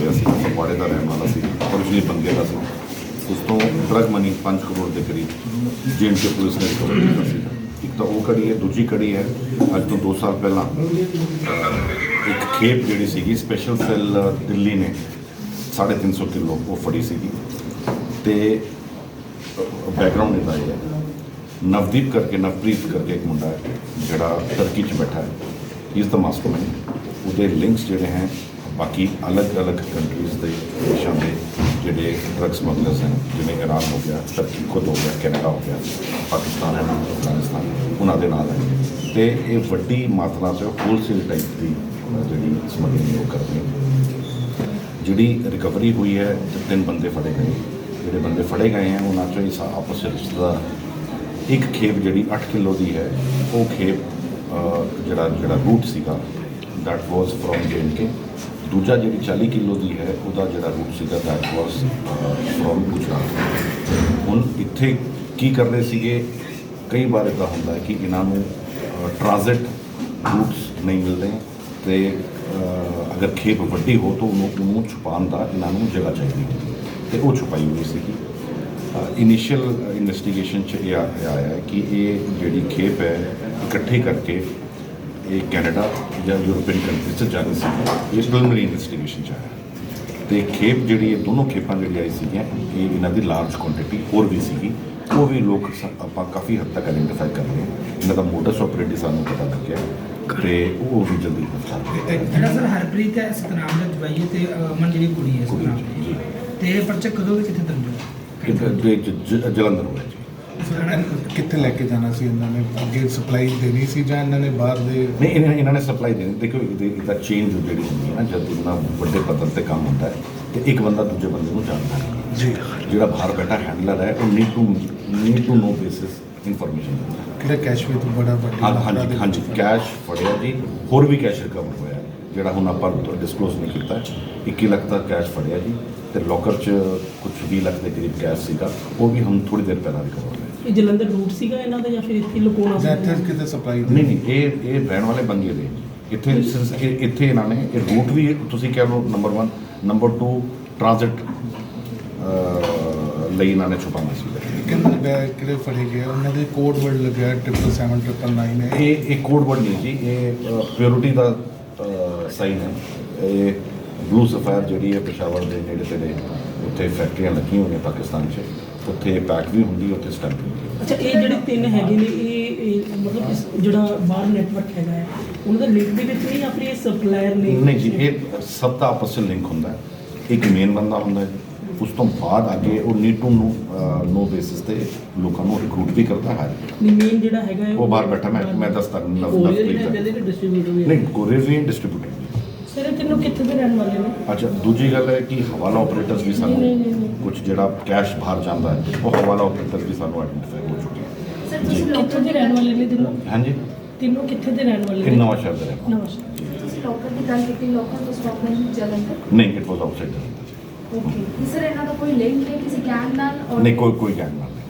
ਹੋਇਆ ਸੀ, ਫਗਵਾੜੇ ਦਾ ਰਹਿਣ ਵਾਲਾ ਸੀ, originally ਬੰਗੇ ਦਾ ਸੀ। ਉਸ ਤੋਂ ਡਰਗ ਮਨੀ 5 ਕਰੋੜ ਦੇ ਕਰੀਬ J&K ਪੁਲਿਸ ਨੇ ਰਿਕਵਰ ਕੀਤਾ ਸੀ। ਇੱਕ ਤਾਂ ਉਹ ਕੜੀ ਹੈ, ਦੂਜੀ ਕੜੀ ਹੈ ਅੱਜ ਤੋਂ 2 ਸਾਲ ਪਹਿਲਾਂ ਇੱਕ ਖੇਪ ਜਿਹੜੀ ਸੀਗੀ ਸਪੈਸ਼ਲ ਸੈੱਲ ਦਿੱਲੀ ਨੇ 350 ਕਿਲੋ ਉਹ ਫੜੀ ਸੀਗੀ। ਤੇ ਬੈਕਗਰਾਉਂਡ ਇਹਦਾ ਇਹ ਹੈ, ਨਵਦੀਪ ਕਰਕੇ ਨਵਪ੍ਰੀਤ ਕਰਕੇ ਇੱਕ ਮੁੰਡਾ ਹੈ ਜਿਹੜਾ ਟਰਕੀ 'ਚ ਬੈਠਾ ਹੈ, ਇਜ਼ ਦਾ ਮਾਸਟਰਮਾਈਂਡ। ਉਹਦੇ ਲਿੰਕਸ ਜਿਹੜੇ ਹੈ ਬਾਕੀ ਅਲੱਗ-ਅਲੱਗ ਕੰਟਰੀਜ਼ ਦੇ ਦੇਸ਼ਾਂ ਦੇ ਜਿਹੜੇ ਡਰਗ ਸਮਗਲਰਸ ਹਨ, ਜਿਵੇਂ ਈਰਾਨ ਹੋ ਗਿਆ, ਟਰਕੀ ਖੁਦ ਹੋ ਗਿਆ, ਕੈਨੇਡਾ ਹੋ ਗਿਆ, ਪਾਕਿਸਤਾਨ ਹੈ, ਅਫਗਾਨਿਸਤਾਨ, ਉਹਨਾਂ ਦੇ ਨਾਲ ਹੈ। ਅਤੇ ਇਹ ਵੱਡੀ ਮਾਤਰਾ 'ਚ ਹੋਲਸੇਲ ਟਾਈਪ ਦੀ ਜਿਹੜੀ ਸਮਗਲਿੰਗ ਉਹ ਕਰਦੇ ਨੇ। ਜਿਹੜੀ ਰਿਕਵਰੀ ਹੋਈ ਹੈ, 3 ਬੰਦੇ ਫੜੇ ਗਏ। ਜਿਹੜੇ ਬੰਦੇ ਫੜੇ ਗਏ हैं ਉਹਨਾਂ 'ਚੋਂ ਹੀ ਆਪਸ ਵਿੱਚ ਰਿਸ਼ਤੇਦਾਰ। ਇੱਕ ਖੇਪ ਜਿਹੜੀ 8 ਕਿਲੋ ਦੀ ਹੈ, ਉਹ ਖੇਪ ਜਿਹੜਾ ਰੂਟ ਸੀਗਾ ਦੈਟ ਵਾਜ਼ ਫਰੋਮ J&K। ਦੂਜਾ ਜਿਹੜੀ 40 ਕਿਲੋ ਦੀ ਹੈ ਉਹਦਾ ਜਿਹੜਾ ਰੂਟ ਸੀਗਾ ਦੈਟ ਵਾਜ਼ ਫਰੋਮ ਗੁਜਰਾਤ। ਹੁਣ ਇੱਥੇ ਕੀ ਕਰਦੇ ਸੀਗੇ, ਕਈ ਵਾਰ ਇੱਦਾਂ ਹੁੰਦਾ ਹੈ ਕਿ ਇਹਨਾਂ ਨੂੰ ਟ੍ਰਾਂਜ਼ਿਟ ਰੂਟਸ ਨਹੀਂ ਮਿਲਦੇ ਅਤੇ ਅਗਰ ਖੇਪ ਵੱਡੀ ਹੋ ਤਾਂ ਉਹਨੂੰ ਛੁਪਾਉਣ ਦਾ ਇਹਨਾਂ ਨੂੰ ਜਗ੍ਹਾ ਚਾਹੀਦੀ ਹੁੰਦੀ ਅਤੇ ਉਹ ਛੁਪਾਈ ਹੋਈ ਸੀਗੀ। ਇਨੀਸ਼ੀਅਲ ਇਨਵੈਸਟੀਗੇਸ਼ਨ 'ਚ ਇਹ ਆਇਆ ਹੈ ਕਿ ਇਹ ਜਿਹੜੀ ਖੇਪ ਹੈ ਇਕੱਠੀ ਕਰਕੇ ਇਹ ਕੈਨੇਡਾ ਜਾਂ ਯੂਰਪੀਅਨ ਕੰਟਰੀ 'ਚ ਜਾਣੀ ਸੀ। ਇਹ ਪ੍ਰੀਲਿਮਿਨਰੀ ਇਨਵੈਸਟੀਗੇਸ਼ਨ 'ਚ ਆਇਆ ਅਤੇ ਖੇਪ ਜਿਹੜੀ ਇਹ ਦੋਨੋਂ ਖੇਪਾਂ ਜਿਹੜੀ ਆਈ ਸੀਗੀਆਂ ਇਹ ਇਹਨਾਂ ਦੀ ਲਾਰਜ ਕੁਆਂਟੀਟੀ ਹੋਰ ਵੀ ਸੀਗੀ। ਉਹ ਵੀ ਲੋਕ ਆਪਾਂ ਕਾਫੀ ਹੱਦ ਤੱਕ ਆਇਡੈਂਟੀਫਾਈ ਕਰ ਰਹੇ ਹਾਂ। ਇਹਨਾਂ ਦਾ ਮੋਡਸ ਆਪਰੇਟਿਵ ਸਾਨੂੰ ਪਤਾ ਲੱਗਿਆ ਅਤੇ ਉਹ ਵੀ ਜਲਦੀ ਗ੍ਰਿਫਤਾਰ। ਜਿਹੜਾ ਸਰ ਹਰਪ੍ਰੀਤ ਹੈ ਸਤਨਾਮ ਦਾ ਜਵਾਈ ਹੈ ਅਤੇ ਅਮਨ ਜਿਹੜੀ ਕੁੜੀ ਹੈ ਸਤਨਾਮ ਦੀ, ਅਤੇ ਇਹ ਪਰਚਾ ਕਦੋਂ ਵੀ ਕਿੱਥੇ ਦਰਜ ਹੋਇਆ? ਜਲੰਧਰ ਹੋਇਆ ਜੀ। ਕਿੱਥੇ ਲੈ ਕੇ ਜਾਣਾ ਸੀ ਇਹਨਾਂ ਨੇ? ਅੱਗੇ ਸਪਲਾਈ ਦੇਣੀ ਸੀ ਜਾਂ ਇਹਨਾਂ ਨੇ ਬਾਹਰ ਦੇ? ਨਹੀਂ, ਇਹਨਾਂ ਨੇ ਸਪਲਾਈ ਦੇਣੀ। ਦੇਖੋ ਇਹਦਾ ਚੇਂਜ ਜਿਹੜੀ ਹੁੰਦੀ ਹੈ ਨਾ, ਜਦ ਇਹਨਾਂ ਵੱਡੇ ਪੱਧਰ 'ਤੇ ਕੰਮ ਹੁੰਦਾ ਹੈ ਅਤੇ ਇੱਕ ਬੰਦਾ ਦੂਜੇ ਬੰਦੇ ਨੂੰ ਜਾਣਦਾ ਹੈ ਜੀ। ਜਿਹੜਾ ਬਾਹਰ ਬੈਠਾ ਹੈਂਡਲਰ ਹੈ ਉਹ need to know basis information ਦਿੰਦਾ ਹੈ। ਕਿਹੜਾ ਕੈਸ਼ ਵੀ ਤੋਂ ਬੜਾ ਵੱਡੀ? ਹਾਂਜੀ, ਕੈਸ਼ ਫੜਿਆ ਜੀ। ਹੋਰ ਵੀ ਕੈਸ਼ ਰਿਕਵਰ ਹੋਇਆ ਜਿਹੜਾ ਹੁਣ ਆਪਾਂ ਡਿਸਕਲੋਜ਼ ਨਹੀਂ ਕੀਤਾ। 21 ਲੱਖ ਦਾ ਕੈਸ਼ ਫੜਿਆ ਜੀ ਅਤੇ ਲੋਕਰ 'ਚ ਕੁਝ 20 ਲੱਖ ਦੇ ਕਰੀਬ ਕੈਸ਼ ਸੀਗਾ, ਉਹ ਵੀ ਹੁਣ ਥੋੜ੍ਹੀ ਦੇਰ ਪਹਿਲਾਂ ਰਿਕਵਰ ਹੋਇਆ। ਇਹ ਜਲੰਧਰ ਰੂਟ ਸੀਗਾ ਇਹਨਾਂ ਦਾ ਜਾਂ ਫਿਰ ਇੱਥੇ ਲੁਕਾਉਣਾ ਸੀ? ਇੱਥੇ ਕਿਤੇ ਸਪਲਾਈ ਨਹੀਂ, ਇਹ ਰਹਿਣ ਵਾਲੇ ਬੰਗੇ ਦੇ ਇੱਥੇ ਇਹਨਾਂ ਨੇ ਇਹ ਰੂਟ ਵੀ ਤੁਸੀਂ ਕਹਿ ਲਓ ਨੰਬਰ 1, ਨੰਬਰ 2 ਟ੍ਰਾਂਜ਼ਿਟ ਲਈ ਇਹਨਾਂ ਨੇ ਛੁਪਾਉਣਾ ਸੀ। ਕਿੰਨੇ ਬੈਗ ਕਿਹੜੇ ਫੜੇ ਗਏ? ਉਹਨਾਂ ਦੇ ਕੋਡ ਵਰਡ ਲੱਗਿਆ 77799 ਹੈ। ਇਹ ਕੋਡ ਵਰਡ ਨਹੀਂ ਜੀ, ਇਹ ਪਿਓਰਿਟੀ ਦਾ ਸਾਈਨ ਹੈ। ਇਹ ਬਲੂ ਸਫਾਇਰ ਜਿਹੜੀ ਹੈ ਪੇਸ਼ਾਵਰ ਦੇ ਨੇੜੇ ਤੇੜੇ ਉੱਥੇ ਫੈਕਟਰੀਆਂ ਲੱਗੀਆਂ ਹੋਈਆਂ ਪਾਕਿਸਤਾਨ 'ਚ, ਉੱਥੇ ਪੈਕ ਵੀ ਹੁੰਦੀ ਹੈ, ਉੱਥੇ ਸਟੈਂਪ ਵੀ ਹੁੰਦੀ ਹੈ। ਅੱਛਾ, ਇਹ ਜਿਹੜੇ 3 ਹੈਗੇ ਨੇ ਇਹ ਮਤਲਬ ਜਿਹੜਾ ਬਾਹਰ ਨੈਟਵਰਕ ਹੈਗਾ ਹੈ ਉਹਨਾਂ ਦਾ ਲਿੰਕ ਦੇ ਵਿੱਚ ਨਹੀਂ ਜਾਂ ਫਿਰ ਇਹ ਸਪਲਾਇਰ ਨੇ? ਨਹੀਂ ਜੀ, ਇਹ ਸਭ ਦਾ ਆਪਸ 'ਚ ਲਿੰਕ ਹੁੰਦਾ ਹੈ। ਇੱਕ ਮੇਨ ਬੰਦਾ ਹੁੰਦਾ ਹੈ, ਉਸ ਤੋਂ ਬਾਅਦ ਅੱਗੇ ਉਹ ਨੀਡ ਟੂ ਨੋ ਬੇਸਿਸ 'ਤੇ ਲੋਕਾਂ ਨੂੰ ਰਿਕਰੂਟ ਵੀ ਕਰਦਾ ਹੈ। ਮੇਨ ਜਿਹੜਾ ਹੈਗਾ ਹੈ ਉਹ ਬਾਹਰ ਬੈਠਾ, ਮੈਂ ਦੱਸਦਾ ਨਹੀਂ, ਕੋਰੀਅਰ ਵੀ ਡਿਸਟਰੀਬਿਊਟਰ। ਸਰ ਇਹ ਤਿੰਨੋਂ ਕਿੱਥੇ ਦੇ ਰਹਿਣ ਵਾਲੇ ਨੇ? ਅੱਛਾ, ਦੂਜੀ ਗੱਲ ਹੈ ਕਿ ਹਵਾਲਾ ਆਪਰੇਟਰਸ ਵੀ ਸਾਨੂੰ ਕੁਝ ਜਿਹੜਾ ਕੈਸ਼ ਬਾਹਰ ਜਾਂਦਾ ਹੈ ਉਹ ਹਵਾਲਾ ਆਪਰੇਟਰਸ ਵੀ ਸਾਨੂੰ ਆਇਡੈਂਟੀਫਾਈ ਹੋ ਚੁੱਕੇ ਹਨ। ਸਰ ਤੁਸੀਂ ਕਿੱਥੋਂ ਦੇ ਰਹਿਣ ਵਾਲੇ ਨੇ ਤਿੰਨੋਂ? ਹਾਂਜੀ, ਤਿੰਨੋਂ ਕਿੱਥੇ ਦੇ ਰਹਿਣ ਵਾਲੇ ਇਹ ਨੇ? ਨਵਾਂ ਸ਼ਹਿਰ ਦਾ ਰਹਿਣ ਵਾਲਾ। ਨਵਾਂ ਸ਼ਹਿਰ। ਤੁਸੀਂ ਲੋਕਲ ਦੀ ਗੱਲ ਕੀਤੀ, ਲੋਕਲ ਤੋਂ ਸਟਾਕਮੈਨ ਜਲੰਧਰ? ਨਹੀਂ, it was outside Jalandhar. Okay sir, ਇਹਨਾਂ ਦਾ ਕੋਈ ਲਿੰਕ ਹੈ ਕਿਸੇ ਗੈਂਗ ਨਾਲ? ਨਹੀਂ, ਕੋਈ ਗੈਂਗ ਨਾਲ ਨਹੀਂ।